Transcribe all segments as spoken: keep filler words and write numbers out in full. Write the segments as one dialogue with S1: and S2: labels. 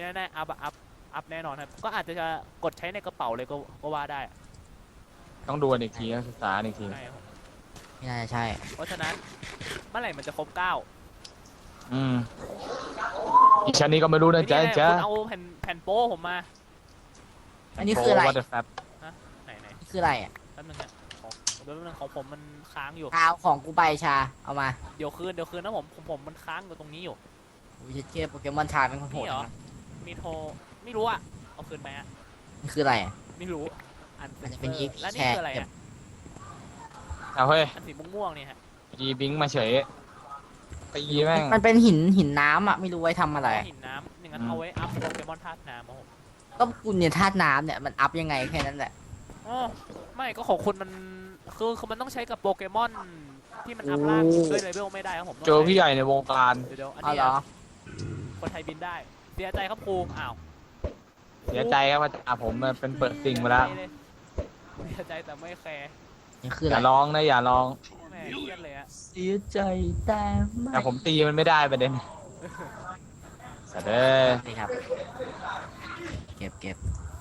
S1: แน่ๆอัพอัพอัพแน่นอนครับก็อาจจะกดใช้ในกระเป๋าเลยก็ก็ว่าได้
S2: ต้องดูกันอีกทีศึกษาอีกที
S1: ใช่ครับ
S3: ไม่น่าจะใช่
S1: เพราะฉะนั้นเมื่อไหร่มันจะครบเก้า
S2: อืมอีกชั้นนี้ก็ไม่รู้นะจ๊ะ
S1: นี่
S2: จ๊ะ
S1: คุณเอาแผ่นแผ่นโป้ผมมา
S3: อันนี้คืออะไร
S2: โ what the fuck
S1: ไหนไหน
S3: นี่คืออะไรอ่ะ
S1: แป๊บนึงฮะของแป๊บนึงของผมมันค้างอยู่
S3: กาวของกูไปชาเอามา
S1: เดี๋ยวคืนเดี๋ยวคืนนะผมผมผมมันค้างอยู่ตรงนี้อยู่
S3: วิเชียโปเกมอนชาเป็นคนโห
S1: นี่
S3: ด
S1: เหรอ
S3: นะ
S1: มีโทรไม่รู้อะเอาคืนไหมอะ
S3: นี่คืออะไรอ่ะ
S1: ไม่รู้อัน
S3: อาจจะเป็น
S1: ออ
S3: อีฟ
S1: แล้วนี่
S3: แชร์
S1: คืออะไรฮะ
S2: เอาเฮ้ย
S1: อันสีม่วงๆเนี่ยฮะ
S2: ยีบิงมาเฉยตีแม่ง
S3: มันเป็นหินหินน้ำอ่ะไม่รู้ไว้ทำอะไร
S1: หินน้ำอย่างนั้นเอาไว้อัพโปเกมอนธาตุน้ำครับผม
S3: ก็กูเนี่ยธาตุน้ำเนี่ยมันอัพยังไงแค่นั้นแหละ
S1: อ๋อไม่ก็ของคุณมันคือคือมันต้องใช้กับโปเกมอนที่มันอัพล่างด้วยเลเวลไม่ได้ครับผมต้อง
S2: เจอ
S1: ใช้
S2: พี่ใหญ่ในวงการ
S1: เดี๋ยวเดี๋ยวอัน
S3: เอา
S1: นี้
S3: เหรอ
S1: อะคนไทยบินได้เสียใจครับครูอ้าว
S2: เสียใจครับอาจารย์ผมเป็นเปิดซิงมาแล้ว
S1: เสียใจแต่ไม่แคร์
S3: นี่คือ
S2: อ
S3: อะไร
S2: ย่าร้องนะอย่าร้อง
S1: แม่เครียดเลยอะ
S3: เสียใจแต่ไม่
S2: แต่ผมตีมันไม่ได้ประเด็นสัตว์เอ้ย
S3: นี่ครับ เก็บเก็บ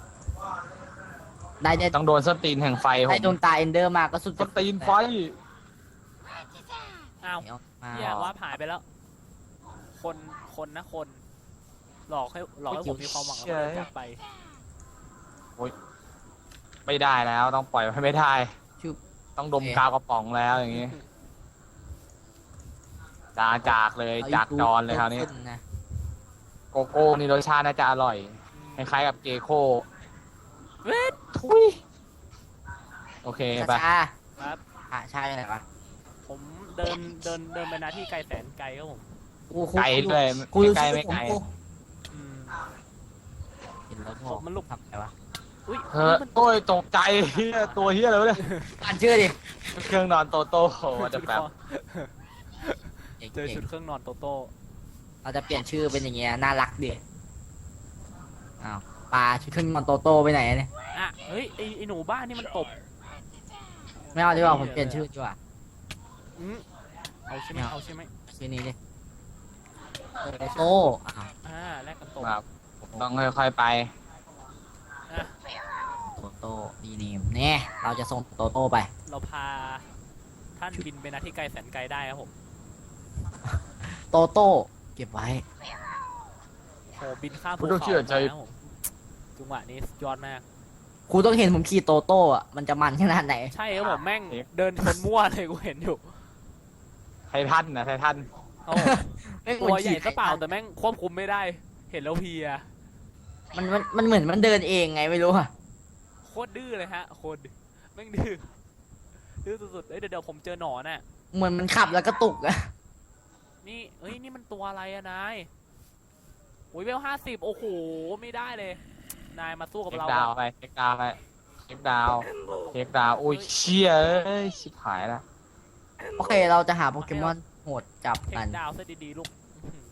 S3: ได้ได้
S2: ต้องโดนสตีนแห่งไฟผ
S3: ได้
S2: ม
S3: ดวงตาเอนเดอร์มาก็สุด
S2: สตีนไฟ
S1: อ้าว
S3: เอามา
S1: เฮียว่าหายไปแล้ว คนคนนะคน หลอกให้หลอกให้ผมมีความหวังแล้วก็จากไป
S2: ไม่ได้แล้วต้องปล่อยให้ไม่ได้
S3: ชุบ
S2: ต้องดมกาวกระป๋องแล้วอย่างงี้จาจากเลยจากจอนเลยคราวนี้
S3: ขึ้นะ
S2: โกโก้นี่รสชาติน่าจะอร่อยคล้ายๆกับเกโก้
S1: เวท
S2: ทุยโอเคไป
S3: ชา
S1: ครับ
S3: อ่ะใช่อะไรวะ
S1: ผมเดินเดินเดินไปนาที่ไกลแสนไกลครับผม
S3: กูกู
S2: ไกลด้วย
S3: กู
S2: ไม่
S3: รู้
S2: ไกล
S3: ชื่อ
S2: ไม่ไกล
S3: ผม
S1: อืม
S3: เห็นแล้ว
S1: ผมมันลุก
S3: ทำอะไรวะ
S1: อุ้ย
S2: เฮ้ยโอ้ยตกใจเฮียตัวเฮียอะไรวะเนี่ย
S3: อ่านชื่อดิ
S2: เครื่องนอนโตโต้โหจะแบบ
S1: เจอชุดเครื่องนอนโตโต้
S3: เราจะเปลี่ยนชื่อเป็นอย่างเงี้ยน่ารักดิอ้าวปลาชุดเครื่องนอนโตโต้ไปไหนเนี่ย
S1: อ่ะเฮ้ยไอไอหนูบ้านนี่มันตบ
S3: ไม่เอาดีกว่าผมเปลี่ยนชื่อดีกว่า
S1: อืมเอาใช่ไหมเอาใช่ไหม
S3: ชื่อนี้ดิโตโต้อ้าว
S1: อ่าแลกกันตบ
S2: ครับผมต้องค่อยๆไป
S1: อ่ะ
S3: โตโต้ดีเนมเนี่ยเราจะส่งโตโต้ไป
S1: เราพาท่านบินไปนาที่ไกลแสนไกลได้ครับผม
S3: โตโต้เก็บไว้
S1: โหบินข้ามภู
S2: คุณต้อง
S1: เขา
S2: เชื่อใจ
S1: มาครับผมจังหวะนี้สุดยอดมาก
S3: ครูต้องเห็นผมขี่โตโต้อะมันจะมันขนาดไหน
S1: ใช่ครับผมแม่งเดินชนมั่วเลยกูเห็นอยู่
S2: ไททันนะไททัน
S1: เอา
S3: ไม่เห
S1: ตั
S3: มื
S1: ว
S3: อน
S1: ใหญ่
S3: ขี่
S1: ซะเปล่าแต่แม่งควบคุมไม่ได้ เห็นแล้วเพลีย
S3: มันมันมันเหมือนมันเดินเองไงไม่รู้อะ
S1: โคตรดื้อเลยฮะโคตรแม่งดื้อดื้อสุดๆเอ้ยเดี๋ยวเดี๋ยวผมเจอหนอนน่ะ
S3: เหมือนมันขับแล้วก็ตุกอะ
S1: นี่เอ้ยนี่มันตัวอะไรอะนายโอ้ยเวลห้าสิบโอ้โหไม่ได้เลย นายมาสู้กับ
S2: เช็ค
S1: เรา
S2: ดาว
S1: อะ
S2: ไปเช็คดาวไปเช็คดาวเช็คดาวอุ้ยเชี่ยเอ้ยชิบหายละ
S3: โอเคเราจะหาโปเกมอนโหดจับ
S1: เท
S3: กั
S1: คน ดาวซะดีๆลูกอื้อหือ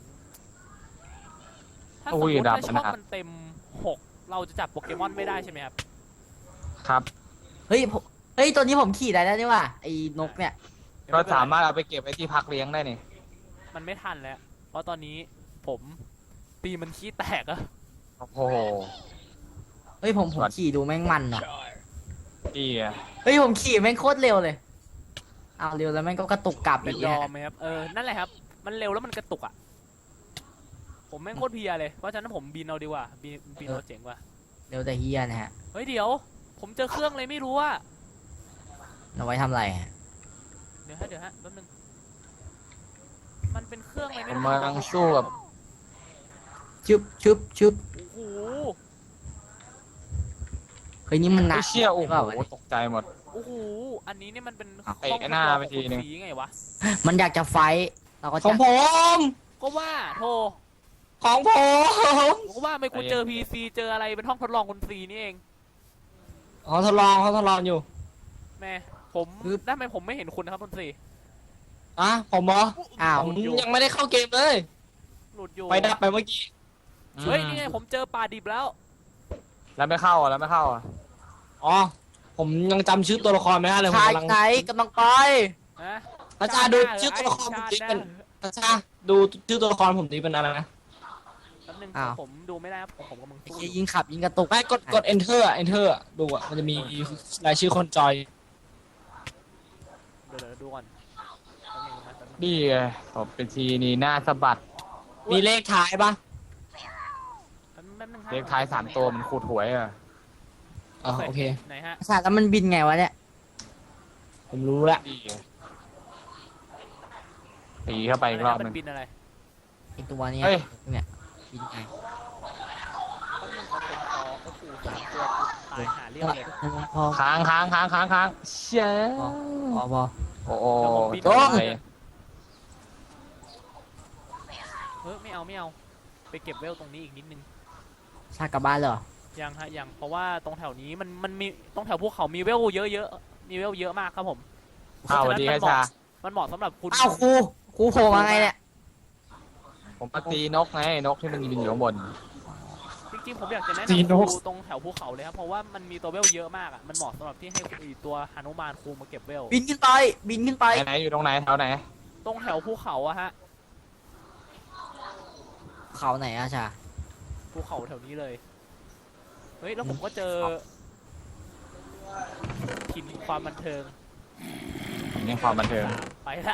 S1: ถ้าสม
S2: อุ้
S1: ม
S2: ย
S1: ติ
S2: ดับ
S1: ว่าช่
S2: ข
S1: อง
S2: นาด
S1: มันเต็มหกเราจะจับโปเกมอนไม่ได้ใช่ไหมครับ
S2: ครับ
S3: เฮ้ยผมเฮ้ยตัวนี้ผมขี่ได้แล้วนี่ว่ะไอ้นกเนี่ย
S2: ก็สามารถเอาไปเก็บไว้ที่พักเลี้ยงได้นี่
S1: มันไม่ทันแล้ว เพราะตอนนี้ผมตีมันขี้แตกอะ
S2: โอ้โห
S3: เฮ้ยผมผม
S2: สวัสดี
S3: ขี่ดูแม่งมันอ่ะ
S2: พี่อะ
S3: เฮ้ยผมขี่แม่งโคตรเร็วเลยอ้าวเร็วแล้วแม่งก็กระตุกกลับ
S1: มั
S3: อี
S1: น
S3: ก
S1: ย
S3: เนี่ย
S1: อมไหมครับ เออ นั่นแหละครับ มันเร็วแล้วมันกระตุกอะผมแม่งโคตรเพลียเลย เพราะฉะนั้นผมบินเอาดีกว่า บินบินเอาเจ๋งกว่า
S3: เร็วแต่เฮียนะฮะ
S1: เฮ้ยเดี๋ยว ผมเจอเครื่องเลยไม่รู้อะ
S3: เอาไว้ทำอะไรฮะ
S1: เดี๋ยวฮะเดี๋ยวฮะแป๊บนึง มันเป็นเครื่องอะไร
S2: ผ
S1: ไม่
S2: ม
S1: รู้
S2: กำลังสู้กับ
S3: ชึบชึบชึบ
S1: โอ้โห
S3: เฮ้ยนี่มันหนั
S2: ไอ้
S3: ก
S2: เชี่ยโอ้
S3: ห
S2: โห
S3: รือเปล่าวะเนี่ย
S2: ตกใจหมด
S1: โอ้โห อันนี้เนี่ยมันเป็น
S3: อ้าว
S1: ห้อง
S2: เตะหน้าไปทีนึง
S1: สีไงวะ
S3: มันอยากจะไฟท์เราก็
S2: ขอ
S3: จะ
S2: งผม
S1: ก็ว่าโทร
S2: ของผม
S1: ผมก็ว่าไม่กูเจอพีซีเจออะไรเป็นห้องทดลองคนซีนี่เอง
S2: เขาทดลองเขาทดลองอยู่
S1: แม่ผมได้ไหมผมไม่เห็นคุณนะครับคนซี
S2: อ่ะผมเหรอ
S3: อ้าว
S2: ผมยังไม่ได้เข้าเกมเลย
S1: หลุดอยู่
S2: ไปดับไปเมื่อกี้
S1: เฮ้ยนี่ไงผมเจอปลาดิบแล้ว
S2: แล้วไม่เข้าอ่ะแล้วไม่เข้าอ่ะอ๋อผมยังจำชื่อตัวละครไม่ได้เลยผม
S3: ชาย
S2: กำลัง
S3: ไหนกำลังไป
S1: ฮะ
S2: พระชาดูชื่อตัวละครผมดิเป็นพระชาดูชื่อตัวละครผมดิเป็นอะไรนะ
S1: แป๊บนึง
S3: อ้าว
S1: ผมดูไม่ได้ครับผมผมกำลัง
S3: ไอ้
S1: สู้อ
S3: เหี้ย
S1: ยู่
S3: ยิงขับยิงกระตุก
S2: ไม่กดกด enter อะ enter อะดูอะมันจะมีรายชื่อคนจอย
S1: เดี๋ยวเดี๋ยวดูก่อนแป๊บนึงนะแป๊บนึง
S2: นี่ไงตบเป็นทีนี่หน้าสะบัด
S3: มีเลขท้ายปะ
S1: แป๊บนึงแป๊บนึงครับ
S2: เลขท้ายสามตัวมันขูดหวยอะ
S3: อ๋อโอเค
S1: ไหนฮะ
S3: ศาสตร์แล้วมันบินไงวะเนี่ย
S2: ผมรู้ละนี่ไงตีเข้าไปอีกรอบ
S1: มั
S2: หนึง
S1: นบินอะไร
S3: ไอตัวเนี้ย
S2: เฮ้ย
S3: เนี่ยบินไง
S1: แป๊บนึงเอาผมขอโอ้โหสามตัวตายหาเรื่องเลย
S3: พอ
S2: ค้างค้างค้างค้างค้างเชี่ย
S3: พอพอ
S2: โอ้โห
S1: เดี๋ยวผมบิน
S2: โอ้ย
S1: เฮ้ยไม่เอาไม่เอาไปเก็บเวลตรงนี้อีกนิดนึง
S3: ชาติกลับบ้านเลยเหรอ
S1: ยังฮะยังเพราะว่าตรงแถวนี้มันมันมีตรงแถวภูเขามีเวลเยอะเยอะมีเวลเยอะมากครับผม
S2: อ้าวสวัสดีครับชา
S1: มันเหมาะสำหรับคุณ
S3: อ้าวครูครูโผล่มาไงเนี่ย
S2: ผมมาตีนกไงนกที่มันบินอยู่ข้างบน
S1: จริงๆผมอยากจะแนะ
S2: จี
S1: นำ
S2: โน่
S1: ครูตรงแถวภูเขาเลยครับเพราะว่ามันมีตัวเวลเยอะมากอ่ะมันเหมาะสำหรับที่ให้ไอ้ตัวหนุมานครูมาเก็บเวล
S3: บินขึ้นไป บินขึ้นไป
S2: ไหนไหนอยู่ตรงไหนแถวไหน
S1: ตรงแถวภูเขาอะฮะ
S3: เขาไหนอะชา
S1: ภูเขาแถวนี้เลยเฮ้ยแล้วผมก็เจอถิ่นความบันเทิง
S2: นี่ความบันเทิง
S1: ไปละ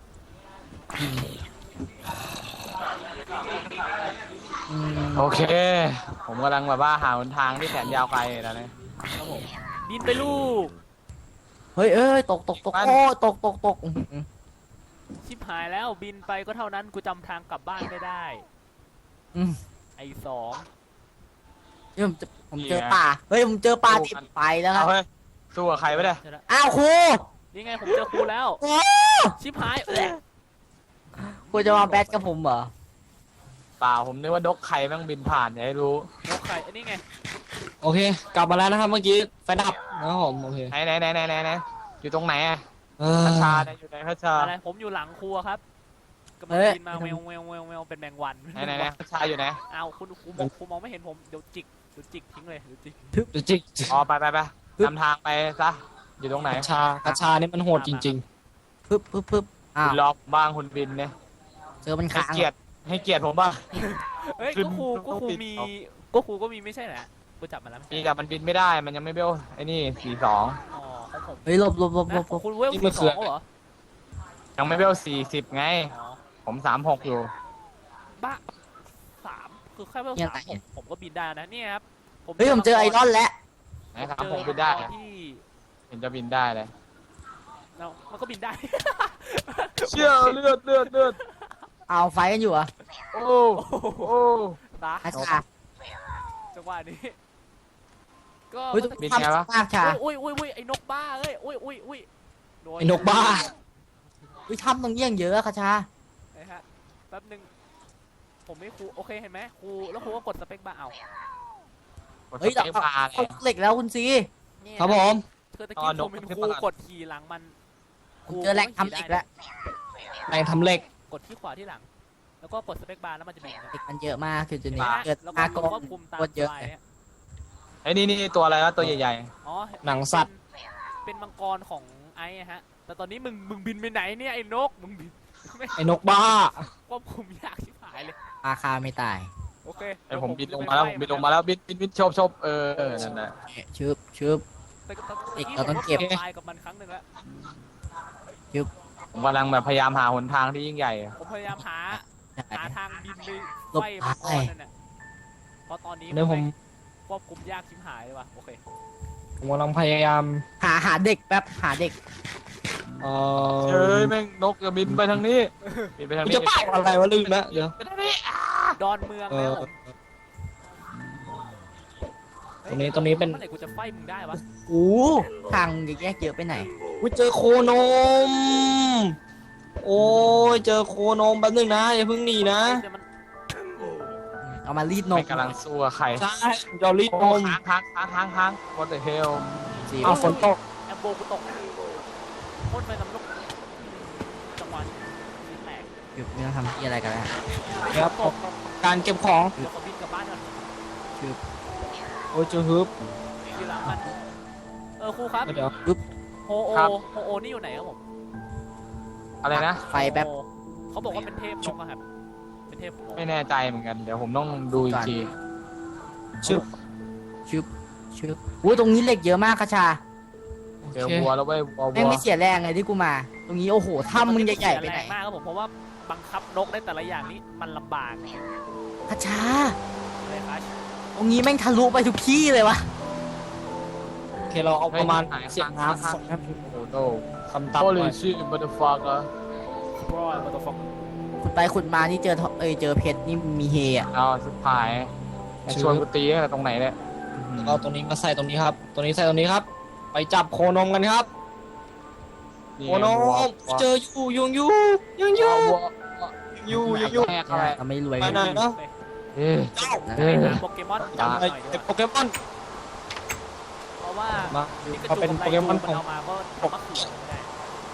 S3: อืม
S2: โอเค ผมกำลังแบบว่าหาหนทางที่แสนยาวไกลแล้วเนี่ย
S1: ครับผมบินไปลูก
S3: เฮ้ยเอ้ยตกตกตก
S2: มัน
S3: โอ้ตกตกตกอื้อหือ
S1: ชิบหายแล้วบินไปก็เท่านั้นกูจำทางกลับบ้านไม่ได้
S3: อืม
S1: ไอ้สอง
S3: เฮ้ยผมเจอผมเจอป่า เฮ้ยผมเจอป่าที่ไปแล้วครั
S2: เอา
S3: บ
S2: เฮ้ยสู้กับใครไม่ได้
S1: เจอละ
S3: อ้าวครู
S1: นี่ไงผมเจอครูแล้ว
S3: โอ้
S1: ชิบหายแหละ
S3: ครูจะมาแบทกับผมเหรอ
S2: เปล่าผมนึกว่านกใครแม่งบินผ่านอย่าให้รู้
S1: นกไข่อันนี้ไง
S2: โอเค กลับมาแล้วนะครับเมื่อกี้ไฟดับนะครับผมโอเคไหนไหนไหนไหนไหนไหนอยู่ตรงไหนอะพัชชาเนี่ยอยู่ไหนพัชชา
S1: อะไรผมอยู่หลังครัวครับกำลัง
S3: เฮ้ย
S1: บินมาแววแววแววแววเป็นแมงวัน
S2: ไหนไหนไหนพัชชาอยู่ไหน
S1: เอาคุณครูมองครูมองไม่เห็นผมเดี๋ยวจิกเดี๋ยวจิกทิ้งเลยเดี๋ยวจิก
S2: เดี๋ยวจิกอ๋อไปไปไปนำทางไปซะอยู่ตรงไหน
S4: กระชากระชานี่มันโหดจริง
S3: ปึ๊บปึ๊บปึ๊บอ้า
S2: คุ
S3: ว
S2: ณรอบบ้างคุณบินเนี่ย
S3: เจอมัน
S2: ให้
S3: ค้าง
S2: เกียรติให้เกียรติผมบ้าง
S1: เฮ้ย
S2: ขึ้น
S1: ก็ครูก็ครู
S2: ต้องปิด
S1: มี
S2: เอา
S1: ก็ครูก็มีไม่ใช่เหรอกูจับมาแล้วไม่
S2: ปี
S1: ใช่
S2: กับมันบินไม่ได้มันยังไม่เบลไอ้นี่สี่สอง
S1: อ๋อของผม
S3: เฮ้ยหลบหลบหลบหล
S1: นะ
S3: บ
S1: ของคุณเวล
S4: นี่
S1: สี่
S4: มัน
S1: ส
S4: คือ
S1: องเหรอ
S2: ยังไม่เบลสี่สิบไง
S1: อ๋อ
S2: ผมสามหกอยู่
S1: บ้าสามคือแค่เวล
S3: เนี่ย
S1: สามผมผมก็บินได้นะเนี่ยครับ
S3: เฮ้ยผมเจอไอรอนแล้ว
S2: ไหนสามหกบินได้
S1: เจอที่
S2: เห็นจะบินได้เลย
S1: เรามันก็บินได้
S2: เชี่ยเลือดเลือดเลือด
S3: เอาไฟกันอยู่เหรอ
S2: โอ้โอ้
S1: ตา
S3: อาชา
S1: จังหวะนี้ก็
S3: เฮ้ย
S1: มัน
S2: บิน
S3: ทำ
S2: ไงวะ
S3: มากชา
S1: อุ้ยอุ้ยอุ้ยไอ้นกบ้าเอ้ยอุ้ยอุ้ยอุ้ยโด
S4: ๆ ไอ้นกบ้า
S3: เฮ้ยทำตรงนี้ยังเยอะอะคาชา
S1: นะฮะแป๊บนึงผมไม่ครูโอเคเห็นไหมครูแล้วครูก็กดสเปคบาร์เอา
S2: กด
S3: เฮ้ย
S2: ส
S3: เรา
S2: เปคบาร์ไง
S3: เขาเหล็กแล้วคุณซี
S1: เนี่ย
S4: ครับผม
S1: คือตะ
S2: อ๋
S1: กี้
S2: อน
S1: ผ
S2: ก
S1: มเป็น
S2: มันขึ้
S1: คน รู
S2: มาก่อน
S1: กดขี่หลังมัน
S3: ผมเจอแหล่งทำเหล็กแล้ว
S4: แรงทำเหล็ก
S1: กดที่ขวาที่หลัง แล้วก็กดสเปคบาร์แล้วมันจะบิน
S3: เหล็กมันเยอะมากคือจุดนี้
S1: นะฮะ
S3: เกิด
S1: แล้วก็
S3: อากร
S1: ควบคุมตาม
S3: กดเยอะ
S1: สบายฮะ
S2: ไอ้นี่นี่ตัวอะไรวะตัวใหญ่
S1: อ๋อ
S4: หนังสัตว์
S1: เป็นเป็นมังกรของไอ้อะฮะ แต่ตอนนี้มึงมึงบินไปไหนเนี่ยไอ้นกมึงบินไม่
S4: ไอ้นกบ้า
S1: ควบคุมยากชิบหายเลย
S3: ปลาคาไม่ตาย
S1: โอเค
S2: ๆไอ้ผมบินลงมาแล้วผมบินลงมาแล้วบินบินบินชบชบเออเออนั่นแหละ
S3: ชึบชึบ
S1: แต่แต่
S3: เด็ก
S1: แต่
S3: เราต้องเก็บ
S1: ผมตายกับมันครั้งหนึ่งแล้ว
S2: ผมกำลังแบบพยายามหาหนทางที่ยิ่งใหญ่อะ
S1: ผมพยายามหาหาทางบินไป
S3: หลบ
S1: ไฟมังกรนั่นน่ะเพราะตอนนี้
S4: เดี๋ยวผม
S1: ควบคุมยากชิบหายเลยว่ะโอเค
S4: ผมกำลังพยายาม
S3: หาหาเด็กแป๊บหาเด็ก
S4: เอ่อ
S2: เฮ้ยแม่งนกจะบินไปทางนี้บินไปทาง
S4: กู
S2: นี้
S4: จะป้ายอะไรวะลืมนะเดี๋ยว
S2: ไปทางนี้
S1: ดอนเมือง
S4: เอ
S1: แล้ว
S4: อ
S1: ผม
S4: ตรงนี้ตรงนี้เป็น
S1: เมื่อไหร่กูจะไฟมึงได้วะ
S3: โอ้ทางแยกเยอะไปไหน
S4: กูเจอโคนม โอ้ยเจอโคนมแป๊บนึงนะอย่าเพิ่งหนีนะ
S1: เดี๋ยวมัน
S3: เอามารีดน
S2: ไม่
S3: ม
S2: กำลังสู้กับใคร
S4: ใช่จอรีด
S2: โอ้
S4: นม
S2: ค้างค้างค้างค้างค้าง what the hell
S3: สิ
S4: เอาฝนตก
S1: แอมโบกูตกพ่นไปกับนกจังหวะนี้แตก
S3: หยุดไม่ต้องทำที่อะไรกันแล้ว
S4: ครับ
S1: ตก
S4: การเก็บของ
S1: เดี๋ยวขอบินกลับบ้านก่อน
S4: โอ้ยเจอฮึบ
S1: อยู่หลังมันเออครูครับ
S4: เดี๋ยว
S1: โฮโอ
S2: ครับ
S1: โฮโอนี่อยู่ไหนครับผม
S2: อะไรนะ
S3: ไฟแบบ
S1: โฮโอเขาบอกว่าเป็นเทพนกอะครับเป็นเททพของผม
S2: ไม่แน่ใจเหมือนกันเดี๋ยวผมต้องดูอีกที
S4: ชึบ
S3: ชึบชึบอู้ตรงนี้เหล็กเยอะมากคาชา
S2: เจอวัวแล้วเว้ยวัว
S3: แม่ง
S2: วัว
S3: ไม่เสียแรงเลยที่กูมา ตรงนี้โอ้โหถ้ำมึงใหญ่ๆไปไหน
S1: แรงมากครับผมเพราะว่าบังคับนกได้แต่ละอย่างนี้มันลำบาก
S3: คาชา
S1: เลยครับ
S3: ตรงนี้แม่งทะลุไปทุกที่เลยวะ
S4: โอเคเราเอาประมาณ
S2: เฮ้ย
S4: เสียงน้ำสอง
S2: โอ้โห
S4: คำตับ
S2: โอ้
S4: ห
S2: ลิ
S4: น่อย
S2: ชิบัตเตอร์ฟักอะ
S1: บรอยมาตัวฟอก
S3: ขุดไปขุดมานี่เจอทเอยเจอเพชรนี่มีเฮอะ
S2: เอาสุดท้ายชวนกูตีตั้งแต่ตรงไหนเนี่ย
S4: แล้วก็ตรงนี้มาใส่ตรงนี้ครับ ตรงนี้ใส่ตรงนี้ครับ ไปจับโคนมกันครับ
S2: นี่
S4: โคนม
S2: วัว
S4: เจออยู่ยุงอยู่ยุงอยู่
S2: วัว
S4: อยู่อยู่อยู่
S2: แม่เข้าไป
S3: ก็ไม่รวย
S4: ไปไหนเนาะ
S2: เอ้ย
S4: เจ้า
S3: นะ
S2: เอ้ย
S1: หาโปเกมอนจับหน่อยดีก
S4: ไอ้
S1: ว่า
S4: โปเกมอน
S1: เพราะว่า
S4: มา
S1: นี่กระ
S4: เขา
S1: จุ
S4: เป็น
S1: ก
S4: โปเกมอน
S1: มั
S4: ของ
S1: เอามาก็เอามาเขือไม่ได้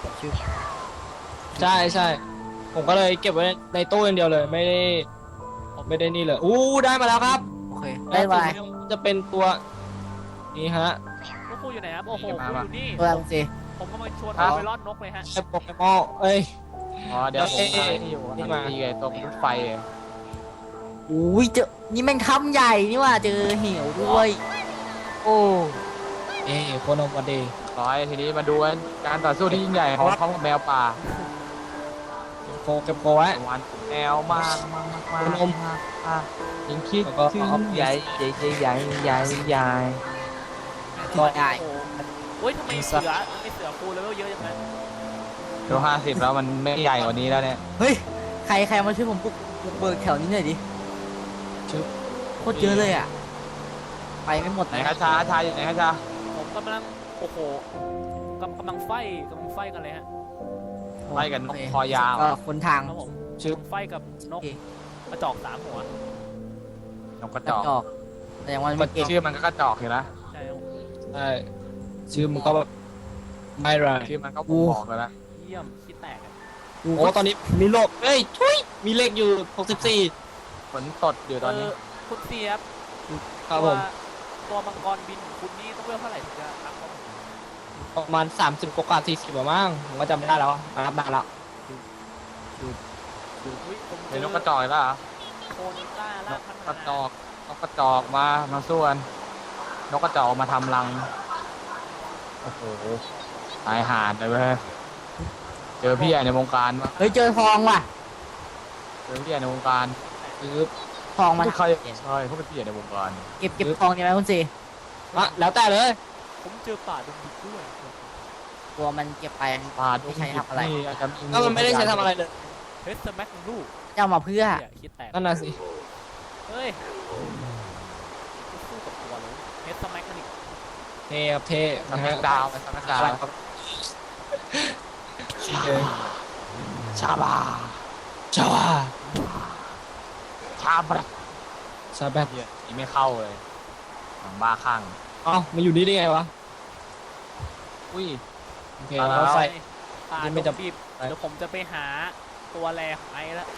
S4: ใช่ใช่ผมก็เลยเก็บไว้ในตู้อย่างเดียวเลย ไม่ได้ไม่ได้นี่เลยอู้ได้มาแล้วครับ
S3: โอเคได้ไว
S4: แล้วจะเป็นตัวนี้ฮะ
S1: พวกคุณอยู่ไหนครับโอ้โหคุณอยู่นี่
S3: ตัวอะไรสิ
S1: ผมกำลังชวนคุณไปรอดนกเลยฮะ
S4: ไอ้โปเกมอนเอ้ย
S2: อ๋อเดี๋ยวผมหาที่อยู่
S4: นี่มา
S2: ตีไอ้ตรงรถไฟอะ
S3: อุ้ยเจอนี่แม่งถ้ำใหญ่นี่ว่าเจอเหวด้วย
S2: โอ้
S4: เอ้ยโคนมวันดี
S2: ร้อยทีนี้มาดูกันการต่อสู้ที่ยิ่งใหญ่ของเขากับแมวป่า
S4: โคเก็บโคไว้
S2: หวานแมวมากมากมากมาก
S4: นม
S2: มากยิงคิด
S4: แล้วก็
S2: ถึง
S4: เอา
S2: ใหญ่ใหญ่ใหญ่ใหญ่ใหญ่
S3: ตัวใหญ่
S1: โอ้โหโอ้ยทำไมเสือทำไมเสือคูเลเวลเยอะจังเลย
S2: เดี๋ยวห้าสิบแล้วมันไม่ใหญ่กว่านี้แล้วเนี่ย
S3: เฮ้ยใครใครมาช่วยผมปลุกปลุกเบิกแถวนี้หน่อยดิ
S4: ชึบ
S3: โคตรเยอะเลยอ่ะไปไม่หมด
S2: ไหนคะชาชาอยู่ไหนคะชา
S1: ผมกำลังโอ้โหกำกำลังไฟกำลังไฟกันเลยฮะ
S2: ไล่กันน
S3: โอก เค
S2: คอยาว
S3: ก็คนทาง
S1: ครับผม
S4: ชึบ
S1: ไฟกับนก
S3: โอเค
S1: กระจอกสามหัวน
S2: กกระ
S3: ก
S2: จ
S3: ระ
S2: อก
S3: จอกแต่ยังวันไม่เก่ง
S2: ชื่อมันก็กระจอกอยู่นะ
S1: ใช่ครับ
S4: ใช่ชื่อมันก็แบบไม่ไร
S2: ชื่อมันก็บอกเลยนะ
S1: เยี่ยมคิดแตกอะ
S4: โอ้ตอนนี้มีโลกเอ้ยทุยมีเลขอยู่หกสิบสี่
S2: ฝนตดอยู่ตอนนี้
S1: เคุณเสียบ
S4: ครับผม
S1: ตัวตัวมังกรบินของคุณนี่ต้องเวลเท่าไหร่ถึงจะรับเขา
S4: ประมาณสามสิบกว่าสี่สิบประมาณผมก็จำไม่ได้แล้วมานับนานแล้ว
S1: อุ๊ยผมเจ
S2: เป็นน
S1: อก
S2: กระจอกอีกแล้วเหรอ
S1: โคนิต้าล่ากพัน
S2: กระจอกนกกระจอกมามาสู้กันนกกระจอกมาทำรังโอ้โหตายหาดเลยเว้ยเจอพี่ใหญ่ในวงการปะ
S3: เฮ้ยเจอทองว่ะ
S2: เจอพี่ใหญ่ในวงการ
S4: คือ
S3: ทองมา
S2: ใครใช่เขาเป็นพี่ใหญ่ในวงการ
S3: เก็บเก็บทองดีไหมคุณสี
S4: อ่ะแล้วแต่เลย
S1: ผมเจอป่าดงดิบด้วย
S3: ตัวมันเก็บไป
S2: ปาด
S3: ไม่ใช่ทำอะไร
S2: นี่อาจจะ
S4: ก็มันไม่ได้ใช้ทำอะไรเลย
S1: เฮสแม็กลูก
S3: จะเอามาเพื่อ
S1: เนี่ยคิดแตก
S4: นั่นน่ะสิ
S1: เฮ้ยสู้กับตัวเลยเฮสแม็กมันอีก
S4: เท่ครับเท่
S2: ส
S4: นะ
S2: มั
S4: ฮะ
S2: ครดาวสมัครดาว
S4: ครับโอเค
S2: ชาบา
S4: จ้า
S2: ชาบะ
S4: ซาแบบ
S2: เหี้ยนี่ไม่เข้าเลยหลังบ้าข้าง
S4: เอ้ามาอยู่นี่ได้ไงวะ
S2: อุ้ย
S4: โอเค
S2: เอาแล้ว
S4: เราใส่
S1: ป่า
S4: นี่
S1: ด
S4: ไม่
S1: ง
S4: จะ
S1: ดิบเดี๋ยวผมจะไปหาตัวแรของไอ้ละ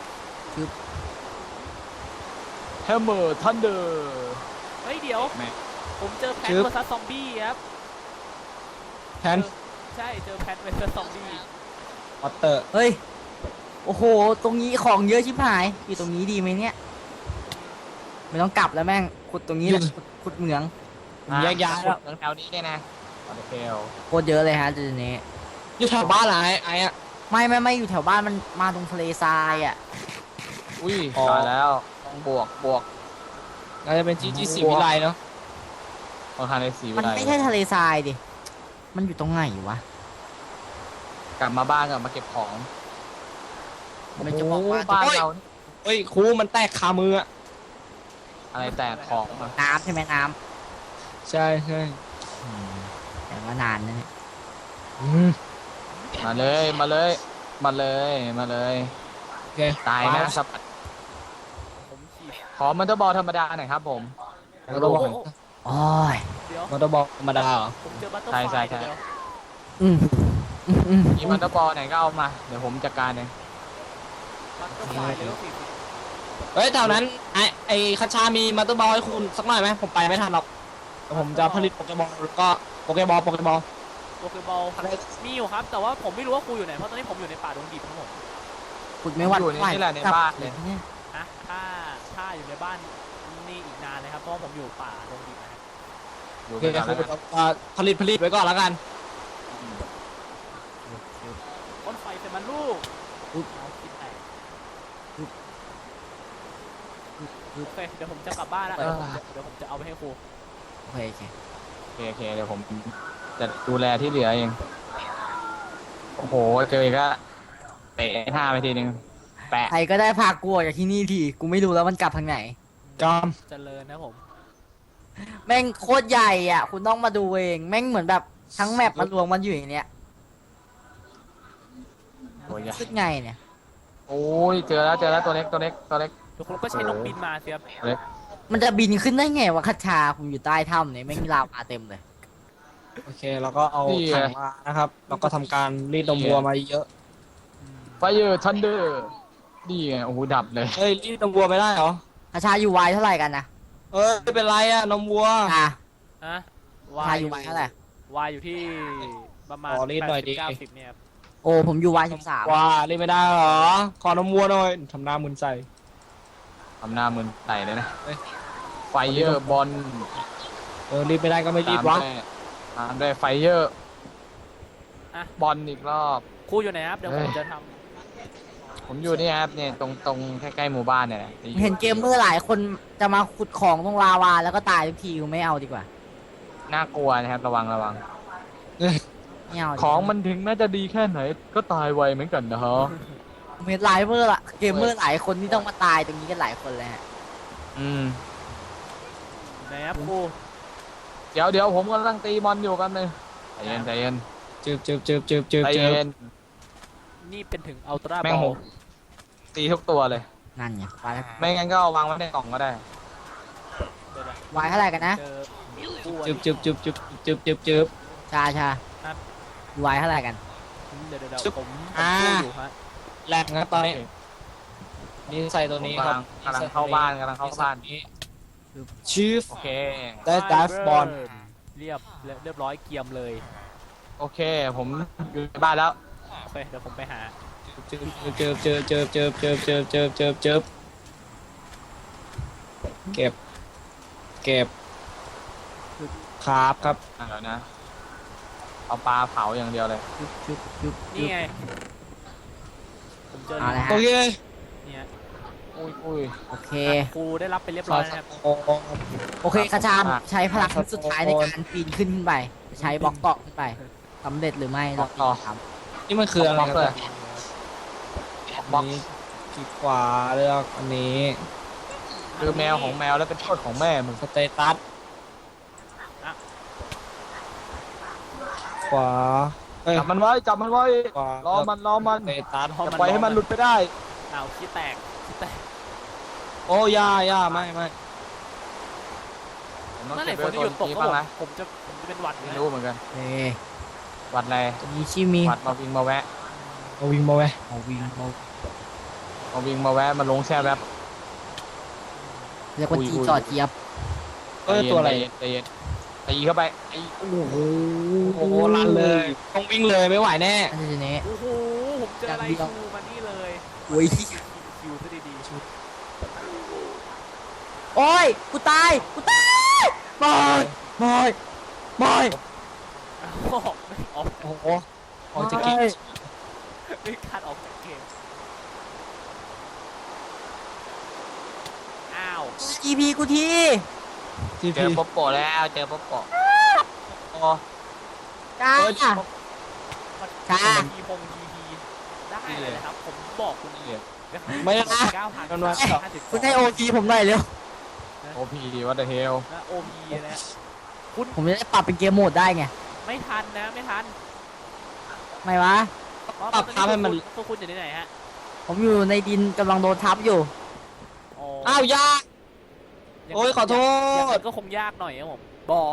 S2: แฮมเมอร์ทันเดอร์
S1: เฮ้ยเดี๋ยว
S2: แม่
S1: ผมเจอแพนเวอร์ซัสซอมบี้ครับ
S4: แทน
S1: ใช่เจอแพนเวอร์ซัสซอมบี้
S4: วอเตอร์
S3: เฮ้ยโอ้โหตรงนี้ของเยอะชิบหายอยู่ตรงนี้ดีไหมเนี่ยไม่ต้องกลับแล้วแม่งขุดตรงนี้แหละขุดขุดเหมือง
S4: ผมแยกย้ายแล้ว
S2: แถวนี้เนี่ยนะคอนเทล
S3: โคตรเยอะเลยฮะจุดนี้
S4: อยู่แถวบ้านเหรอไอ้ไอ้อะ
S3: ไม่ไม่ไม่อยู่แถวบ้านมันมาตรงทะเลทรายอ่ะ
S2: อุ้ย
S4: อ๋อ
S2: ตายแล้วต้องบวกบวก
S4: น่าจะเป็นจีจีสีวิไลเนาะ
S2: ต้องทานในสีวิ
S3: มัน
S2: ไล
S3: ไม่ใช่ทะเลทรายดิมันอยู่ตรงไหนวะ
S2: กลับมาบ้านกลับมาเก็บของ
S3: มันจะบอกว่า
S2: บ้านเรานี่
S4: เฮ้ยครูมันแตกคามืออะ
S2: อะไรแตกของมา
S3: น้ำใช่ไหมน้
S4: ใช่ใช่
S3: ำแต่ว่านานนะเนี่ย
S4: อืม
S2: มาเลยมาเลยมาเลยมาเลย
S4: โอเค
S2: ตายนะสับ
S1: ผมฉีด
S2: ขอมันเตอร์บอลธรรมดาหน่อยครับผม
S4: มอเตอร์บอล
S3: โอ้ย
S1: เดี๋ยว
S4: มอเตอร์บอลธรรมดาเหรอ
S1: ผมเจอบัตเตอร์
S2: ใช่
S1: ไฟ
S2: ใช่ใช่
S1: เดี๋ยว
S3: อืมอืมอืม
S2: มีมันเตอร์บอลไหนก็เอามาเดี๋ยวผมจัดการเอง
S1: บัตเตอร์ไฟเดี๋ยวสี่สิบ
S4: เฮ้ยแถวนั้นไอ้ไอ้คาชามีมอเตอร์บอลให้คุณสักหน่อยไหมผมไปไม่ทันหรอกแต่ผมจะผลิตโปเกมอลแล้วก็โปเกบอลโปเกบอล
S1: โปเกบอลมีอยู่ครับ แต่ว่าผมไม่รู้ว่าครูอยู่ไหน เพราะตอนนี้ผมอยู่ในป่าดงดิบทั้งหมด
S3: ขุดไม่หวั่น
S2: อยู่
S3: ไหว
S2: นี่แหละในบ้านเลย
S3: เนี่ย
S1: ฮะถ้าถ้าอยู่ในบ้านนี่อีกนานเลยครับเพราะว่าผมอยู่ป่าดงดิบนะครับ
S2: อยู่
S4: โอ
S2: กั
S4: เคน
S2: แล้วกัน
S4: อ่าผลิตผลิตไว้ก่อนแล้วกัน
S1: ต้นไฟเป็นมันลูกเอาคิดแตกโอเคเดี๋ยวผมจะกลับบ้านแล้วเดี๋ยวผมจะเดี๋ยวผมจะเอาไปให้ครู
S3: โอเคโอเค
S2: โอเคโอเคเดี๋ยวผมจะดูแลที่เหลือเองโอ้โหเจออีกแล้วเตะท่าไปทีนึงแปะ
S3: ใครก็ได้พากูออกจากที่นี่ทีกูไม่รู้แล้วมันกลับทางไหน
S4: จอม
S1: เจริญนะผม
S3: แม่งโคตรใหญ่อ่ะ คุณต้องมาดูเอง แม่งเหมือนแบบทั้งแมปมันรวมมันอยู่อย่างเนี้ย
S2: โอ้ย
S3: ขึ้นไงเนี่ย
S2: โอ้ยเจอแล้วเจอแล้วตัวเล็กตัวเล็กตัวเล็ก
S1: ทุกคนก็ใช้นกบินมาเสียบ
S2: ตัวเล็ก
S3: มันจะบินขึ้นได้ไงวะคัชชาผมอยู่ใต้ถ้ำเนี่ยแม่งลาวาเต็มเลย
S4: โอเคเราก็เอาถังมานะครับแล้วก็ทำการรีดนมวัวมาเยอะ
S2: ไฟเยอร์ทันเดอร์นี่ไงโอ้โหดับเลย
S4: เฮ้ยรีดนมวัวไม่ได้เหรอ
S3: คัชชาอยู่ไวเท่าไหร่กันนะ
S4: เอ้ยไม่เป็นไรอะนมวัว
S3: อ่ะ
S1: ฮะ
S3: คัชชาอยู่ไวเท่าไหร่
S1: วายอยู่ที่ประมาณ
S4: ขอรีดหน่อยดิ
S1: เก้าสิบเนี่ยครับ
S3: โอ้ผมอยู่ไวสิบสาม
S4: ว่ารีดไม่ได้เหรอขอนมวัวหน่อยทำหน้ามึนใส่
S2: ทำหน้ามึนใส่เลยนะ
S4: เอ้ย
S2: ไฟเยอร์บอล
S4: เออรีดไม่ได้ก็ไม่รีดวะ
S2: ตามด้วยไฟเยอร์
S1: อ่ะ
S2: บอลอีกรอบ
S1: ครูอยู่ไหนครับเดี๋ยวผมจะท
S2: ผมอยู่นี่ครับเนี่ยตรงตรงใกล้ๆหมู่บ้านเนี่ยแหละ
S3: เห็นเกมเมอร์หลายคนจะมาขุดของตรงลาวาแล้วก็ตายทุกทีกูไม่เอาดีกว่า
S2: น่ากลัวนะครับระวังระวัง
S3: ไม่เอาดีกว่า
S2: ของมันถึงแม้จะดีแค่ไหนก็ตายไวเหมือนกันนะฮะ
S3: ผมเห็นหลายเมอร์ละเกมเมอร์หลายคนที่ต้องมาตายตรงนี้กันหลายคนเลยฮะ
S2: อืม
S1: ำไหนครับครู
S2: เดี๋ยวเดี๋ยวผมกำลังตีบอลอยู่กันเลยใจเย็นใจเย็น
S4: จืบจืบจืบจืบจืบ
S2: ใจ
S4: จื
S2: เย็
S4: บ
S2: น
S1: นี่เป็นถึงอัลตร้า
S2: แม่
S1: บ
S2: ง
S1: อ
S2: โห
S1: ล
S2: ตีทุกตัวเลย
S3: นั่นไงไวแล้ว
S2: ไม่งั้นก็เอาวางไว้ในกล่องก็ได้
S1: เดี๋ยวนะ
S3: ไวเท่าไหร่กันนะ
S1: เจอครู
S4: จืบจืบจืบจืบจืบจืบจืบ
S3: ชาชา
S1: ครับ
S3: ไวเท่าไหร่กัน
S1: เดี๋ยวเดี๋ยวเดี๋ยว
S4: จึ๊บ
S1: ผมผม
S4: อ่า
S1: สู้อยู่ฮะ
S4: แรกนะตอนนี้นี่ใส่ตัวนี้ครับ
S2: กำลังเข้าบ้านกำลังเข้าบ้าน
S4: ชีฟ
S2: โอเค
S4: ได้ดัฟบอล
S1: เรียบเรียบร้อยเกียมเลย
S2: โอเค ผมอยู่ในบ้านแล้ว
S1: โอเคเดี๋ยวผมไปหา
S4: จืบจืบจืบจืบจืบจืบจืบจืบจืบจืบเก็บ เก็บครับครับ
S2: อ่ะเดี๋ยวนะ เอาปลาเผาอย่างเดียวเลย
S3: จุ๊บจุ๊บจุ๊บ
S1: นี่ไงผมเจอ
S3: เอาละ
S4: โอ
S3: ฮะ
S4: เค
S1: เนี่ย
S2: อุ้ยอุ้ย
S3: โอเค
S1: ครูได้รับไปเรียบร้อยแล้วนะครับ
S4: โอ้
S3: โอเคคาชาใช้พลังสุดท้ายในการปีนขึ้นขึ้นไป ใช้บล็อกเกาะขึ้นไปสำเร็จหรือไม่เราติดตาม
S4: นี่มันคืออะไร
S2: บล็อก
S4: ค
S2: เล
S4: รั
S2: ย
S4: บอันนี้คลิกขวาเลือกอันนี้
S2: คือแมวของแมวแล้วเป็นโทษของแม่มึง
S4: สเตตัสขวาเอ้ย
S2: จับมันไว้จับมันไว้
S4: ขวาร
S2: อมันรอมัน
S4: สเตตัส
S2: อย่าปล่อยให้มันหลุดไปได้
S1: อ้าวขี้แตกขี้แตก
S4: โอ้ย่าย่าไม่ไม่
S2: ผมต้อง
S1: เมื่อไหร่
S2: เก็บ
S1: ฝ
S2: ไว้
S1: นจะ
S2: ตัว
S1: หยุดตก
S2: นี้
S1: ก็
S2: บ้าง
S1: ผม
S2: นะ
S1: ผมจะผมจะเป็นหวัดอยู่
S2: ไม่
S1: นะ
S2: รู้เหมือนกัน
S3: เอ้ย
S2: วัดอะไร
S3: ตัวนี้ชิมี
S2: วัดมาวิ่งมาแวะ
S4: เอาวิ่งมาไว้
S3: เอาวิ่งเอา
S2: มาวิ่งมาแวะมาลงแช่แวบ
S3: เรียกว่า
S2: อุ้ย
S3: จี
S2: อุ้ย
S3: จอดเจี๊ยบ
S4: เอ้ยตัวอะไร
S2: ใจเย็นใจเย็นตีเข้าไปไอ้
S4: โอ้โหโอ้โหลั่นเลยต้องวิ่งเลยไม่ไหวแน่
S3: อันนี้นี้
S1: โอ้โหผมเจออะไรครูมานี่เลย
S3: โอ้ย
S1: คิวซะดีๆชุด
S3: โอ้ยกูตายกูตายบอยบอยบอย
S1: อ้าวไม่ออก
S4: โอ้โหออกจากกิ๊ก
S1: ไม่คาดออกจากเกมอ้าว
S3: จีพีกูที
S4: ที
S2: เจ
S4: พี
S2: อป๊อปโปะแล้วเจอป๊อปโปะโอ้
S3: จ้า
S1: มัน
S3: จ้า
S1: ทีพงทีพีได้เลยนะครับ ผมบอกคุณ
S2: เหี้ย
S4: ไม่ได้
S1: เก้าพัน
S4: มันว่า
S1: ห้าสิบ
S3: คุณให้โอทีผมหน่อยเร็ว
S2: โอพีวัตเตอร์เฮล
S1: นะโอพีนะคุณ
S3: ผมจะได้ปรับเป็นเกมโหมดได้ไง
S1: ไม่ทันนะไม่ทัน
S3: ไม่วะ
S4: ปรับทับให้มัน
S1: พวกคุณอยู่ที่ไหนฮะ
S3: ผมอยู่ในดินกำลังโดนทับอยู่
S1: อ๋อ
S4: อ้าวยา
S1: าง
S4: โอ้ยขอโทษ
S1: อย่างนั้นก็คงยากหน่อยครับผมบอ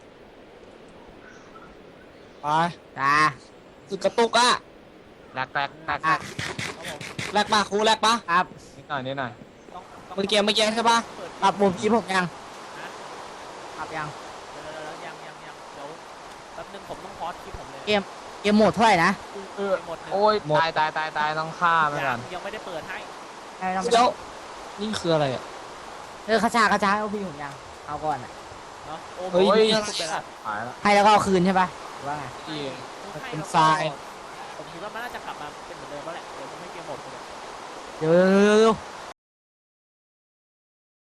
S4: ไป
S3: จ้า
S4: สึกกระตุกอ่ะ
S2: แรกแรกแรกแร
S3: อ่ะ
S2: ก
S1: ครับผม
S4: แลกปะครูแลกปะ
S3: ครับ
S2: นิดหน่อยนิดหน่อย
S1: ต้องต้อง
S4: เมื่อกี้เมื่อกี้ใช่ปะ
S1: เปิด
S3: ปรับมุมพีผมยัง
S1: ฮะ
S3: ปรับยัง
S1: เดี๋ยวเดี๋ยวเดี๋ยวยังยังยังเดี๋ยวแป๊บนึงผมต้องพอสคลิปผมเลย
S3: เกม เกมโหมดเท่าไหร่นะ
S2: เออ
S1: หมดหนึ่ง
S2: โอ้ยตายตายตายตายต้องฆ่ามันก่
S1: ยั
S2: อง น
S1: ยังไม่ได้เปิดให้
S3: ไม่ต้อง
S4: เดี๋ยวนี่คืออะไรอ่ะ
S3: เออคาชาคาชาเอาพี่ผมยังเอาก่อนอ่ะ
S1: เนาะโอ้
S4: เฮ้ย
S1: โห
S4: นี่
S1: นี่
S4: อะไร
S1: สุดไปละ
S4: อ่ะ
S2: หายละ
S3: ให้แล้วก็เอาคืนใช่ปะหรือว่าไง
S4: ที่
S1: ให้
S4: เป็น
S1: แล้วก็
S4: ทราย
S1: ผมคิดว่ามันน่าจะกลับมาเป็นเหมือนเดิมแล้วแหละเดี๋ยวจะไม่เกมหมดเลย
S3: เดี๋ยวเดี๋ยวเดี๋ยวเดี๋ยว